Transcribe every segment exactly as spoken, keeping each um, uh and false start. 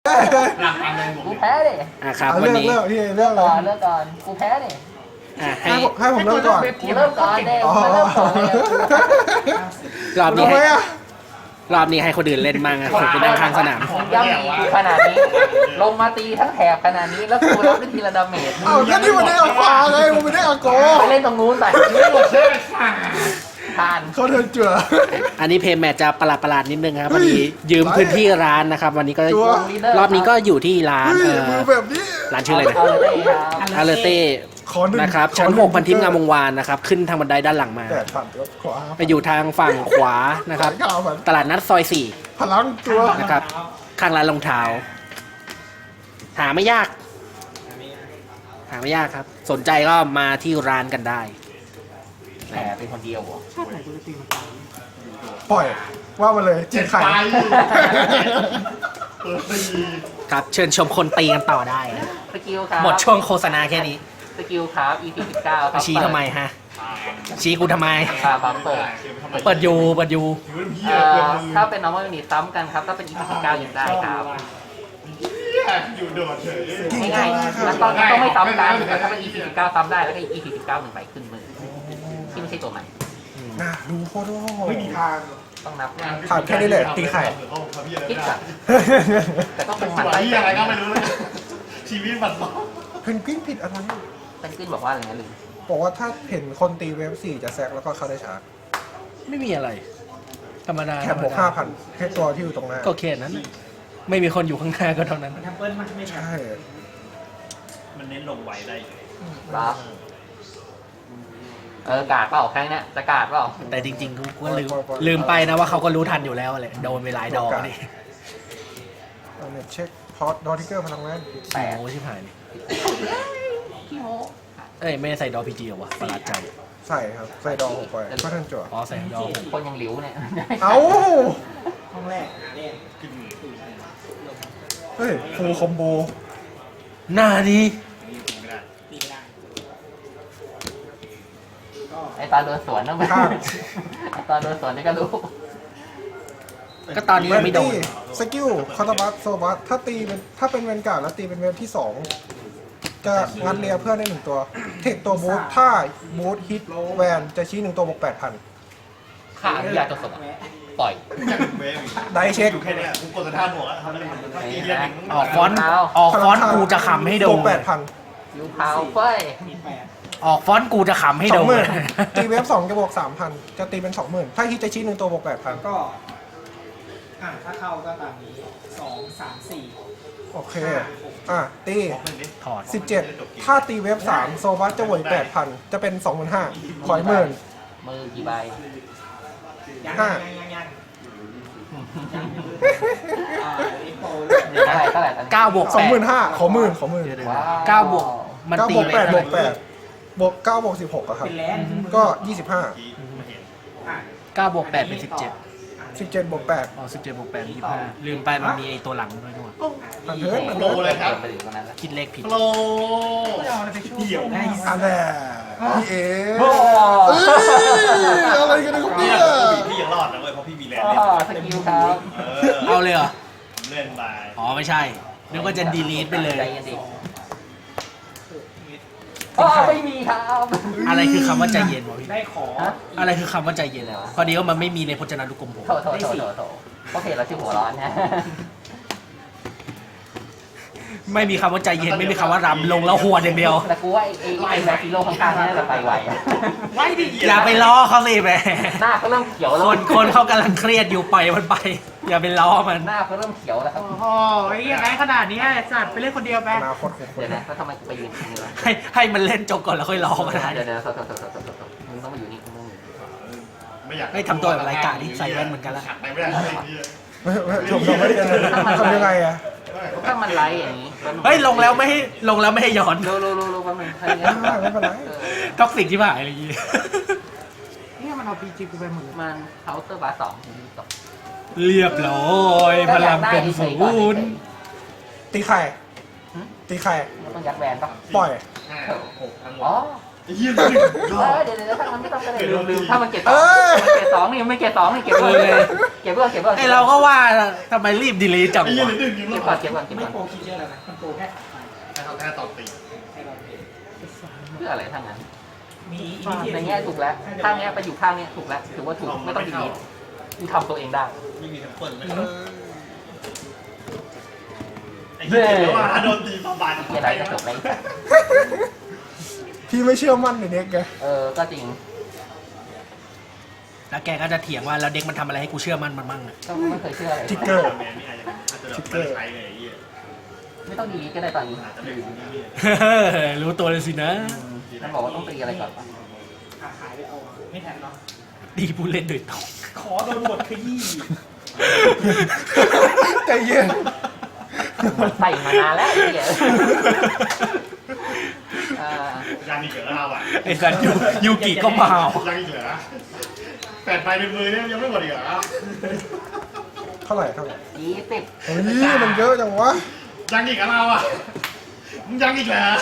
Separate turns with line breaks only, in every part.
หลักการเดินผม
กูแพ้ดิ
อ่ะครับ
เอา
วัน
เลือก
นี้
เลือกพี่เลือกเล
ก่อย นเลิกก่อนกูแพ้ดิ
อ่ะให้
ให้ผมให้ผมเริ่มก่อน
กูเริ่มก่อนเด้
อ๋อ
มาเริ่มก่อนเลย
รอบนี้
ทำไม
ให้
อ่ะ
รอบนี้ให้คนอื่นเล่นมั่งอ่ะผมเป็นนั่งข้างสนาม
มึงย่ำกูขนาดนี้ ลงมาตีทั้งแถบขนาดนี้แล้วกูรับได้ทีละดาเมจ
เอาก็นี่มันได้เอาขวาไงมันไม่ได้เอาโก
ไปเล่นตรงนู้นไป
หมดเชื่อสั่ง
ทาน
เขาเดินเจือ
อันนี้เพย์แมทจะประหลาดประหลาดๆนิดนึงครับ
เฮ้
พ
ย
อดียืมพื้นที่ร้านนะครับ วันนี้ก็
จัว
รอบนี้ก็อยู่ที่ร้าน
เฮ้ย
เอ่
มื
อ
อแบบนี้
ร้านชื่ออะไรนะ
เอาเลยครับ
อาเลเต้
ขอหนึ่ง
นะครับ
ขอ
ชั้น
นึ่
หกพันทิพย์งามวงวานนะครับ ขึ้นทางบันไดด้านหลังมา
แปดพันครับขวา
ไปอยู่ทางฝั่งขวานะครับ
เก้าพัน
ตลาดนัดซอยสี่
พลังตัว
นะครับ ข้างร้านรองเท้า หาไม่ยาก หาไม่ยากครับ สนใจก็มาที่ร้านกันได้
แหมเป็นคนเดียวเหรอ
ปล่อยว่ามาเลยจี
เจ็ด
ไข่
ไฟเปิดตี
ครับเชิญชมคนตีกันต่อได้นะ
สกิลครับ
หมดช่วงโฆษณาแค่นี้
สกิลครับ อี พี สิบเก้าครับ
ชี้ทำไมฮะ ชี้กูทำไม
ครับครับเปิด
เปิดอยูเปิดอยู
ถือเป็นเพี้ย
เอ่
เกิน
อ
มือ
ถ้าเป็น normal unit ซ้ำกันครับ ถ้าเป็น อี พี สิบเก้ายังได้ครับ
อยู่โดดเฉย
ง่ายๆแล้วต้องต้องไม่ซ้ำกันแต่ถ้าเป็น อี พี สิบเก้าซ้ำได้แล้วก็ อี พี สิบเก้าหนึ่งใบขึ้นมือที่ไม่ใช่ตัวใหม่
น่าดูโคตร
ไม่มีทาง
ต้องนับ
ถามแค่นี้เลยตีไข่
คิดก่อนแต่ก็
เป็
เป็น น
ห
ห
มั
มัน น
ไส้
ไส้
อะไรก็ไม่รู้เลยชีวิตมันล้อ
เพนกวินผิดอะไร
เป็นขึ้นบอกว่าอะไรนะลืม
บอกว่าถ้าเห็นคนตีเวฟสี่จะแซกแล้วก็เข้าได้ชาร์จ
ไม่มีอะไร ธรรมดา
แค่บวกห้าพันแค่ตัวที่อยู่ตรงหน้า
ก็แค่นั้นน่ะไม่มีคนอยู่ข้างหน้าก็เท่านั้น
แทมเปิลมันไม่
ใช่
มันเน้นลงไวได้
รับเออกาดเปล่าแค่นี้จะกาดเปล่า
แต่จริงๆกูก็ลืมลืมไปนะว่าเขาก็รู้ทันอยู่แล้วแหละโดนไปหลายดอกนี่
เอาเนี่ยเช็คพอร์ตดอทิกเกอร์พลังแรง
แปด
โอ้ชิบหายนี่
พี่โม
เอ้ยไม่ได้ใส่ดอพีจีเหรอวะประหลาดใจ
ใส่ครับ ใส่ดองออกไปก็ทันจั่ว
อ๋อใส่ดอ
คนยังหลิวเนี่ย
เอ้า
ห้องแรกเล่น
เฮ้ยฟูลคอมโบ
หน้านี้
ตีไม่ได้
ไอตอนโดนสวนต้องไปไอตอนโดนสวนนี่ก็รู้
ก็ตอนนี้ยังไม่โดน
ตี้สกิลคอร์ตบัสโซบัสถ้าตีเป็นถ้าเป็นเวนการ์ดแล้วตีเป็นเวฟที่สองจะงัดเลียเพื่อนได้หนึ่งตัว เทคตัวบูทถ้าบูทฮิตแวนจะชี้หนึ่งตัวบวกแปดพัน
ขาอนุญาตตัวสดปล่อย
อยากเวฟ
ได้เช็ค
อยู่แค่นี้กูกดสถานบวกอะทำอะไรมันถ้าตีเรียน
ออกฟอนต์ออกฟอนต์กูจะขำให้โด
บวน กแปดพัน
ยูพาวเฟ้ย
มีแปด
ออกฟอนต์กูจะขำให้
ส
โด
อง
น
หมื่นตีเวฟสองจะบวกสามพันจะตีเป็นสองหมื่นถ้าฮิตจะชี้หนึ่งตัวบวกแปดพัน
ก็ อ่ะถ้าเข้าก็ตามนี้สองสามสี่
โอเค อ่ะ ตี
บอกมันดิ
ถอด
สิบเจ็ดถ้าตีเวฟสามโซบัสจะบวกแปดพันจะเป็นสองหมื่นห้าขอยหมื่น
มือกี่ใบ
ยัง
ห้า
ยังยังยังอ่าเอ็กโป
เท่าไหร่เท่าไหร่ตอนนี้
เก้าบวก
สอง
แป
หมื่
ด
นห้าขอหมื่นขอหมื่น
ว้าว
เก้าบวกมัน
เก้า
ตี
บวก
ไป
แปดบ
เท่าว ไหร่
กแปดบวกเก้าบวกสิบหกอะครับ
เป็นแลนด์
ก็ยี่สิบห้า
อ่ะ
เก้าบวกแปดเป็นสิบเจ็ด
สิบเจ็ดบวกแปด
อ๋อสิบเจ็ดบวกแปดยี่สิบห้าลืมไปมันมีไอตัวหลังด้วยด้วย
อันเทิร์นอัน
โล
เทิร์น
เลยครับ
ไปถึงตรงนั้นแล้ว
คิดเลขผิด
โล
เดี่ยวได้
อันแน่พี่เอ๋เอ้ยอะไรกันเนี่ยครับ
เนี่
เนี่ย ย
พี่ยังรอดนะเว้ยเพราะพี่มีแรง
อ๋อ
เล่น
สกิลครับ
เอาเลยเหรอ
เล่นไป
อ๋อไม่ใช่นึกว่าจะดีลีทไปเลย
ใจเย็นดิอ๋อไม่มีครับ
อะไรคือคำว่าใจเย็นวะพี่
ได้ขอ
ฮะ
อะไรคือคำว่าใจเย็นเลยวะพอดีว่ามันไม่มีในพจนานุกรมผม
โถโถโถโถโถเพราะเพจเราชื่อหัวร้อนนะ
ไม่มีคำว่าใจเย็นไม่มีคำว่ารำลงแล้วหัวอย่างเดียว
แต่กูว่าไอ้ไอ้ไอ้แบคทีโร่ข้างๆนี่น่าจะไปไวอะ
ไว้ดิ
อย่าไปล้อเขาสิแหม
หน้าเขาเริ่มเขียวแล้
คว นคนเขากำลังเครียดอยู่ปล่อยมันไป อย่าไปล้อมัน
หน้าเขาเริ่มเขียวแล้วครับ
โอ้โหไอ้ยังไงขนาดนี้สัตว์ไปเล่นคนเดียวไป
อนาคตของค
เดี๋
น
ยวนะแล้วทำไมกูไปยืนตรงนี้วะ
ให้ให้มันเล่นจบก่อนแล้วค่อยล้อก็ได้
เดี๋ยวเดี๋ยวโถโถโถโถโถโถมึงต้องมาอยู่นี่มึงต้องมาอยู่นี่
ไม่อยาก
ให้ทำตัวแบบรายการที่ใส่แว่นเหมือนกันละ
ขัดไปไม่ได้เลยพี่
ไม่ไม่ผมทำไม่ได้เลยทำยังไงอะ
ถ้ามันไลฟ์อย่างนี้
เฮ้ยลงแล้วไม่ให้ลงแล้วไม่ให้ย้อน
โลโลโลโลแป๊บนึงให้
ไม่เป็นไรไม่เป็นไร
ท็อกซิกที่ผ่านอะไรอย่างงี้
เนี่ยมันเอาปีจีกูไปหมดเลย
มันเคาน์เตอร์บาร์สองตก
เรียบร้อยพลังเป็นศูนย์
ตีไข่ตีไข่
มันต้องยัดแวนปะ
ปล่อย
ห้าหกทั้งหม
อ๋อ
ดเยี่ยมหนึ่งร
เอ
อบ
อเดี๋ยวเดี๋ยวถ้ามันไม่ต้องก็ได้ลืมลืมถ้ามันเก็บส
เอ
อง
อ
มันเก็บสองนี่มันไม่เก็บสองนี่เก็บเพื่อนเก็บเพื่อนเก็บเพื่อน
ไอเราก็ว่าทำไมรีบดีเลยจัง
ไอ้เยี่ยม
วะ
หนึ่งยังร
เก็บ
อ
ก่อน
ด
เก็บก่อนเก็บ
ไม่
ก่อน
โปรคิดเยอะแล้วนะมันโปรแค่
ให้เขาแค่ตอบตี
ให้เราเอง
เพื่ออะไรทั้งนั้น
มีอี
ในแง่ถูกแล้วข้างเนี้ยไปอยู่ข้างเนี้ยถูกแล้วถือว่าถูกไม่ต้องดีดีกูทำตัวเองได้
ไม่มีทั้งเปิดเลยไอ้เหี้ยแล้วว่าโดนตีมาบาด
ที่อะไรก็จบเลย
พี่ไม่เชื่อมั่นในเด็กไง
เออก็จริง
แล้วแกก็จะเถียงว่าแล้วเด็กมันทำอะไรให้กูเชื่อมันมันมั่งอะ
ก็ไม่เคยเชื่ออะไร
ทิกเกอร์
แมนนี่อาจจะอาจจะแบบไม่ได้ใช้เลยไอ้เหี้ย
ไม่ต้องดีก็ได้ตอนนี้
อาจจะไม่รู้นี่
รู้ตัวเลยสินะ
มันบอกว่าต้องตีอะไรก่อนปะ
ขาหายไปเอาไม่ทันเนาะ
ดีผู้เล่นโดยตรง
ขอโดนบทขยี้
ใจเย็น
ใส่มานานแล้วไอ้เหี้ยอ่า
ยังอีกเหรอเราอ่ะ
ไอ้สัตว์ยูยูกิก็เมา
ยังอีกเหรอแปดใบในมือเนี่ยยังไม่หมดอีกเหรอ
เท่าไหร่เท่าไหร่
ยี่สิบ
เฮ้ยมันเยอะจังวะ
ยังอีกเหรอเราอ่ะมึงยังอีกเหรอ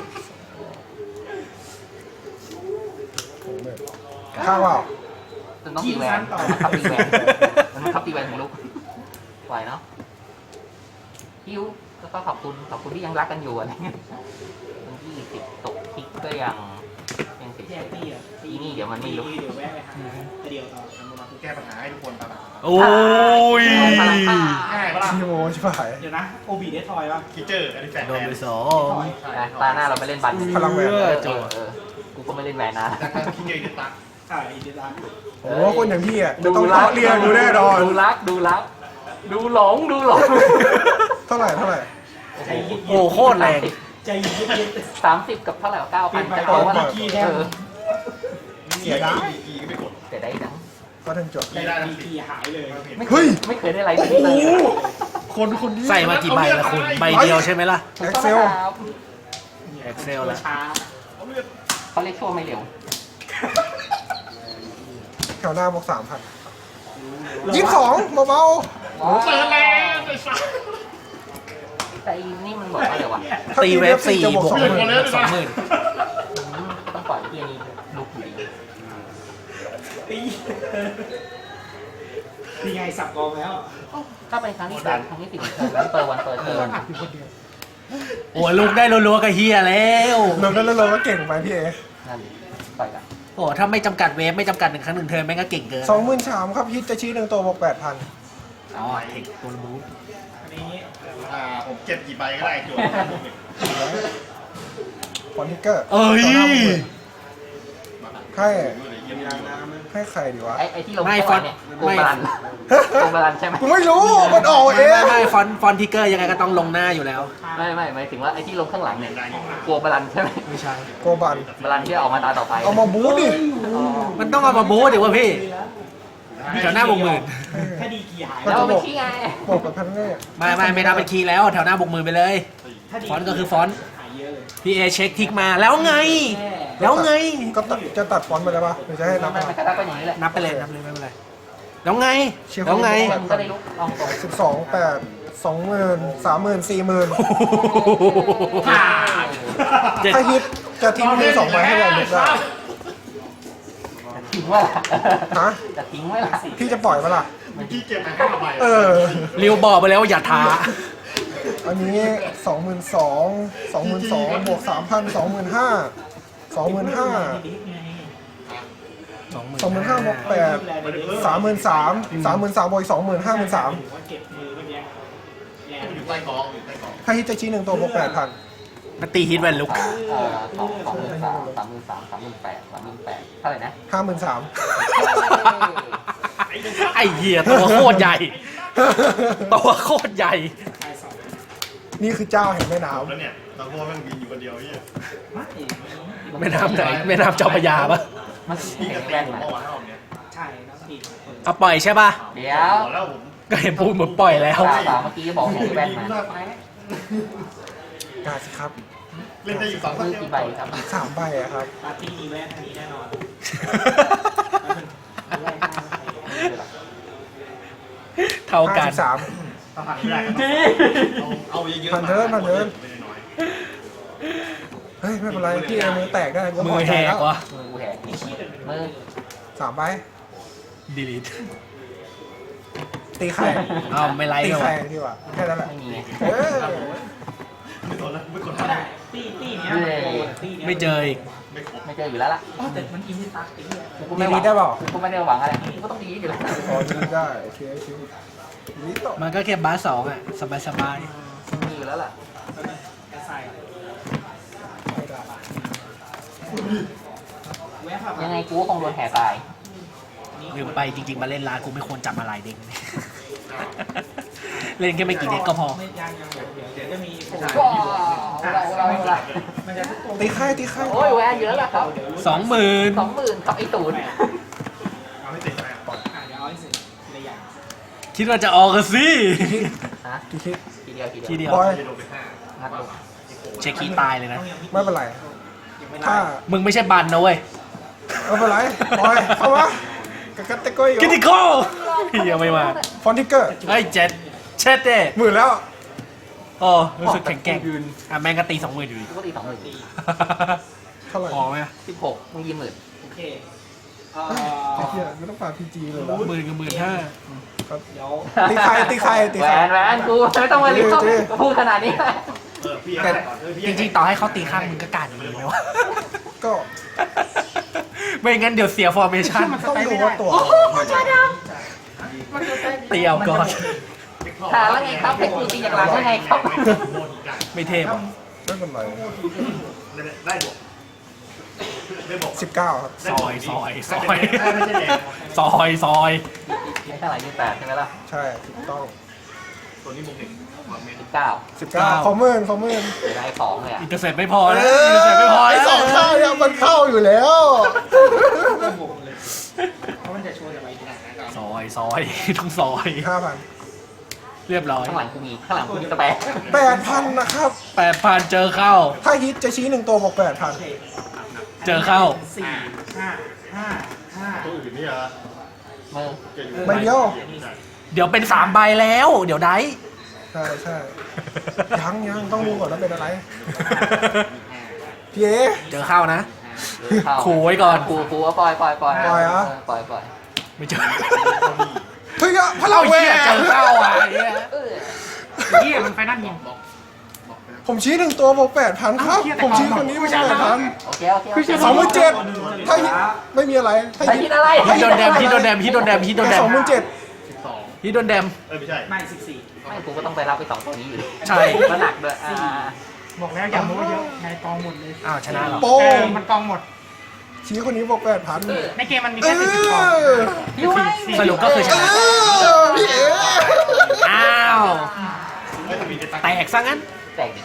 ข้าวเปล่า
จนต้องตีแหวนมันขับตีแหวนมันขับตีแหวนของลูกไหวเนาะฮิวแล้วก็ขอบคุณขอบคุณที่ยังรักกันอยู่อะไรเงี้ยวันที่สิบตกทิกก็ยังยังสิบ
แยกตีอ่ะ
อีนี่เดี๋ยวมันไม่รู้
เดี๋ยวแวะไปหาเดี๋ยวต่อ
ทำมากูแก้ปัญหาให้ทุกคนตลอด
โอ้ย
ง่ายปะล่ะ
ชิโมชิบหาย
เดี๋ยวนะโอบีได้ทอยป่ะ
คิเจอร์อันนี้แปด
โดนไปสอง
นะตาหน้าเราไม่เล่นบัตร
พลังแหวน
เออเออเออกูก็ไม่เล่นแหวนนะ
จากการคิเจอร์ดิตัก
ใช่อีเดน
โอ้คนอย่างพี่อ่ะจะต้องเลาะเรียนดูแน่นอน
ดูรักดูรัก ดูหลงดูหลง
เท่าไหร่เท่าไหร่
ใจเย็น
โอ้โคตรแรง
ใจเย็น
สามสิบกับเท่าไหร่เก้าพันจะเอาว่า
เปลี่ยนไป
เออ
เสียดาย
กีก็ไม่กด
แต่ได้ดัง
ก็ถึงจบ
ใจดีกีหายเลย
ไม่เค
เฮ้
ย
ย
ไม่เคยได้ไรแบบนี้เลย
คนคนนี้
ใส่มากี่ใบละคุณ ใบเดียวใช่ไหมล่ะ
ถูกต้องนะครับ
Excel แล้ว
ช้า
เขาเรียกชั่วไม่เร็ว
แถวหน้าบอกสามพันยี่สิบสองเบา
ว้าว
เปิดแล้วไอ้สัส
แต่อีนี่มันบอกว่าอะไรวะ
ๆถ้า
ตีเวฟสี่
จะ
บวก
สอง
ห
หมื่น
มื่นสองหมื่น
ต้องปล่อยที่นี่ลุกอยู่ดี
ตีนี่ไงสับกองแล้ว
ถ้าเป็นครั้งที่สามครั้งที่สี่วันเปิดวันเปิดเทิร์น
โอ้ยลูกได้รัวๆกับเฮียแล้ว
เราแล้วเราก็เก่งไปพี่เอ
นั่นปล่อยกัน
โอ้ถ้าไม่จำกัดเวฟไม่จำกัดหนึ่งครั้งหนึ่งเทิร์นแม่งก็เก่งเกิน
สองหมื่นสามครับฮิตจะชี้หนึ่งตัวบอกแปดพัน
อ๋อเทคตัวบูท
อันนี้
อ่าผมเก็บกี่ใบก็ได้จวด
ฟอนทิกเกอร์
เอ้ย
ให้ให้ใครดีวะ
ไอ้ไอ้ที่ลง
ไม่
ก่อนเนี่ย
ฟอนต์
โกงบาลันโกงบาลันใช่ไหม
กูไม่รู้มันออกเอ
ไม่
ง
ไม่ไม่ฟอนต์ฟอนต์ทิกเกอร์ยังไงก็ต้องลงหน้าอยู่แล้ว
ไม่ไม่หมายถึงว่าไอ้ที่ลงข้างหลังเนี่ยกลัวบาลันใช่ไหม
ไม่ใช่
โกบัน
บาลันที่ออกมาตาต่อไป
เอามาบู๊ดิ
อ๋อ
มันต้องเอามาบูทดิวะพี่แถวหน้าบวกหมื่น
ถ้าดีกีหาย
แล้วเอาไปขี้ไง
บอกกับพันแน่
ไม่ไม่ไม่นับเป็นคีย์แล้วแถวหน้าบวกหมื่นไปเลย
ถ้าดี
ฟอนต์ก็คือฟอนต์
หายเยอะเลย
พี่เอเช็คทิกมาแล้วไง แล้วไง
ก็ตัดจะตัดฟอนต์ไปเลยปะหรือจะให้นับ
ไม่ไม่กระดับเป็นอย่างนี้แหละ
นับไปเลยนับเลยไม่เป็นไรแล้วไง
เชียร์
แล้วไง
มันก็ได้ลุกลองตรง
สิบสองแปดสองหมื่นสามหมื่นสี่หมื่น
เจ็ด
ถ้าฮิตจะทิ้งมือสองใบให้เราลุกได้
ทิ้งไว้ล่ะ
ฮะ
จะทิ้งไว้ล่ะ
พี่จะปล่อยปะล่ะ
เมื่อกี้เก็บมาห้าใบ
เออ
ริวบอกไปแล้วว่าอย่าท้า
อันนี้สองหมื่นสองสองหมื่นสองบวกสามพันสองหมื่นห้าสองหมื่นห้า
สองหมื่น
สองหมื่นห้าบวกแปดสามหมื่นสามสามหมื่นสามบวกสองหมื่นห้าหมื่นสาม
ว่าเก็บมือเมื่อกี้แรง
อยู่ใต้กองอยู่ใต้กอง
ถ้าฮิตจะชี้หนึ่งตัวบวกแปดพัน
มาตีฮิตแวนลุก
เอ่อสองสองหมื่นสามสามหมื่นสามสามหมื่นแปดสามหมื่นแปดเท่าไหร่นะ
ห้าหมื่นสาม
ไอ้เหี้ยตัวโคตรใหญ่ ตัวโคตรใหญ่
ชายสอง
นี่คือเจ้าแห่งแม่
จบ
น้ำ
แล้วเนี่ยเราพวกแม่งบินอยู่คนเดียวเนี่ย
ไม่
แม่น้ำไหนแม่น้ำเจ้าพระยาปะ
มัน
พี่
แข่
ก็
ง
ตี
แว่น
ผม
มา
เมื่อวานรอบเนี้ย
ใช่น้ำดี
เอาปล่อยใช่ปะ
เดี๋ยว
บอกแล้วผม
ก็เห็นพูดเหมือนปล่อยแล้ว
สาวสาวเมื่อกี้บอกแข่งแว่นมา
กาสิครับ
เล่นได้อยู่สองค
มื
น
อ
เดียว
กี่ใบครับ
สามใบอะครับ
ปาร์ตี้อีเวนต์อันนี้แน่นอน
เท่ากัน
ห้าสิบสาม
ต้องผ่านไม่ได้เอาเอาเยอะๆ
ผ่านเทิร์นผ่านเทิร์น
ไม่ได้น้อย
เฮ้ยไม่เป็นไรพี่เอมือแตกได้กู
มื
พ
อ
อ
แห
ใจ
ก
แล้ว
วะ
มือกูแหกมือ
สามใบ
ดีลิท
ตีไข่
อ้าวไม่ไลค์
ตี
เลยวะ
ไข่ดีกว่าแค่นั้นแหละ
ไม่มีไง
เออ
ไม่สนแล้วไม่กด
ก็
แล้ว
ได้ตีตีเนี้ยตีเนี้ย
ไม่เจออีก
ไม่ครบ
ไม่เจออยู่แล้วล่ะ
อ๋อแต่มันอินที่ตักไอ้เหี้ย
กู
ดี
ไม่หวั
ลี
ง
ได้เปล่า
กูไม่ได้หวังอะไรกูก็ต้องดีอยู่แล้ว
อ๋อดีได้โอเคโอเคดีต่อ
มันก็แค่บาสสองอ่ะ สบายสบาย
มีอยู่แล้วล่ะ
กระใส่
ไม่ได้
แวะผ่าน
ยังไงกูก็คงโดนแห่ตาย
ลืมไปจริงๆ มาเล่นร้านกูไม่ควรจับมาหลายเด็ก เล่นแค่ไม่กี่เด็กก็พอ
ไม่ยังยังเดี๋ยวเดี๋ยวจะมีโปร
ก็เราเราเรา
มันจะทุกตัว
ตีไข่ตีไข่
โอ้ยแหวนเยอะแล้วครับ
สองหมื่น
สองหมื่นครับไอ้ตูน
เอาให้ติดไปก่อน
อ่ะเดี๋ยวเอาให้เสร็จทีละอย่าง
คิดว่าจะออกกันสิ
ฮะ
ตีคิด
ทีเดียวที
ที
เดียว
เดียว
บอย
จะโดนไปห้า
งัดลูก
เช็คคีย์ตายเลยนะ
ไม่เป็นไร
ยังไม่
ถ้า
ได้
มึงไม่ใช่บันนะเว้ย
ไม่เป็นไรบอยเข้ามากระกัดตะก้อยอยู่
คิติคอลยังไม่มา
ฟอนติกเกอร์
เฮ้ยเจ็ดเช็ดเด้
หมื่นแล้ว
โอ้รู้สึกแข็งแกร่งอ่ะแม่งก็ตีสองหมื่นอยู่ดี
กูก็ตีสองหมื่น
เท่าไหร่
พอไหม
สิบหกมึงยี่หมื่น
โอเคเอ่
ไอ้
อ
เหี้ยไม่ต้องฝากพีจีเลยเหรอ
หมื่นกับหมื่นห้า
เดี๋ยว
ตีไข่ตีไข่ตี
แหว
ไข่
นแหวนกูไม่ต้องมารีบเข้าพูดขนาดนี้
เออพี่แต่ก่อนเออพี่
จริงๆ ต่อให้เขาตีข้างมึงก็การดีไหมวะ
ก็
ไม่งั้นเดี๋ยวเสียฟอร์เมชั่น
ต้องดูว่าตัว
เตียวก่อน
ถามว่าไงครับเป็นกูตีจากหลังว่าไงครับ
ไม่เทพอ่ะ
ไม่เป็นไร
ได้บวกได้บวก
สิบเก้าครับ
ซอยซอยซอย
ไม่ใช่แดง
ซอยซอย
ไม่เท่าไหร่ยี่แปดใช่ไหมล่ะ
ใช่ถูกต้อง
ตัวนี้มุมหนึ่งความเมน
สิบเก้า
สิบเก้าขอหมื่นขอหมื่น
จะได้สองเลยอ่ะ
อินเตอร์เซ็ตไม่พอแล้วอินเตอร์เซ็ตไม่พอ
ไอ้
แล้ว
สองข้างเนี่ยมันเข้าอยู่แล้ว
ก็บวกเลยเพราะมันจะโชว์จากใบนี้
ซอยซอยต้องซอย
ห้าพัน
เรียบร้อย
ข้างหลังกูมีข้างหลังกูมีกระแปะ
แปดพันนะครับ
แปดพันเจอเข้า
ถ้าฮิตจะชี้หนึ่งตัวบอกแปดพัน
โอเค
เจอเข้า
สี่ห้าห้าห้า
ตัวอื่นนี่เหรอ
มือ
ใบเดียว
เดี๋ยวเป็นสามใบแล้ว เดี๋ยวได้
ใช่ใช่ยังยังต้องดูก่อนว่าเป็นอะไรพี่เอ
เจอเข้านะ
เข้า
ขู่ไว้ก่อน
ขู่ขู่ว่าปล่อยปล่อยปล่อย
ปล่อยเหรอ
ปล่อยปล่อย
ไม่เจอ
เฮ้ยอะพลั
เรา
งแหว
เหี้ย
น
เจอเข้าอ่ะไอ้เหี้ย
เออ
เหี้ยมันไฟนั่นยิง
ผมชี้หนึ่งตัวบอกแปดพันครับ ผมชี้คนนี้บอกแปดพัน
โอเคโอเคโอเค
สองหมื่นเจ็ดถ้าฮิตไม่มีอะไรถ้า
ไอ้
ฮิ
คิ
ต
ดอะไร
ฮิตโดนแดมฮิตโดนแดมฮิตโดนแดมฮิตโดนแด
ส
ม
องหมื่นเจ็ด
สิบสอง
ฮิตโดนแดม
เออไม่ใช่
ไม่สิบสี่
ไม่กูก็ต้องไปรับไปสองตัวนี้อยู่ดี
ใช่
ก็หนักด้วยอ่า
บอกแล้วอย่าโม้เยอะในกองหมดเลย
อ้าวชนะเหรอ
โป้ง
มันกองหมด
ชี้คนนี้บอกแปดพัน
ในเกมมันมี
เอ
แค่สิบกอง
อ
ยูไว้
สรุปก็คือช
เอ
นะ
อพี่เอ
อ้าว
ไม่ทำมีจะตั้ง
แตกซะงั้น
แตกดิ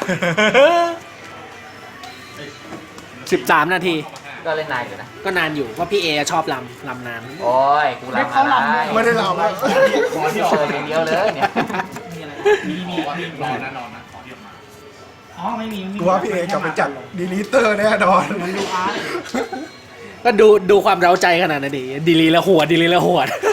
สิบสามนาที
ก็เล่นนานอยู่นะ
ก็นานอยู่ว่าพี่เอชอบลำลำนาน
โอ้ยกูรำมาได้
ไม่ได้เราแล้ว
ขอที่
เจออย่างเดียวเลยเนี่ย
มีอะไรมีมีมี
รอนะนอนนะขอที่ออกมา
อ๋อไม่มีไม่มี
กูว่าพี่เอกลับไปจัดดีลิเตอร์แน่นอน
มันดูอาร์ต
ก็ดูดูความเร้าใจขนาดนั้นดิดีลีแล้วหัวดดีลีแล้วหัวด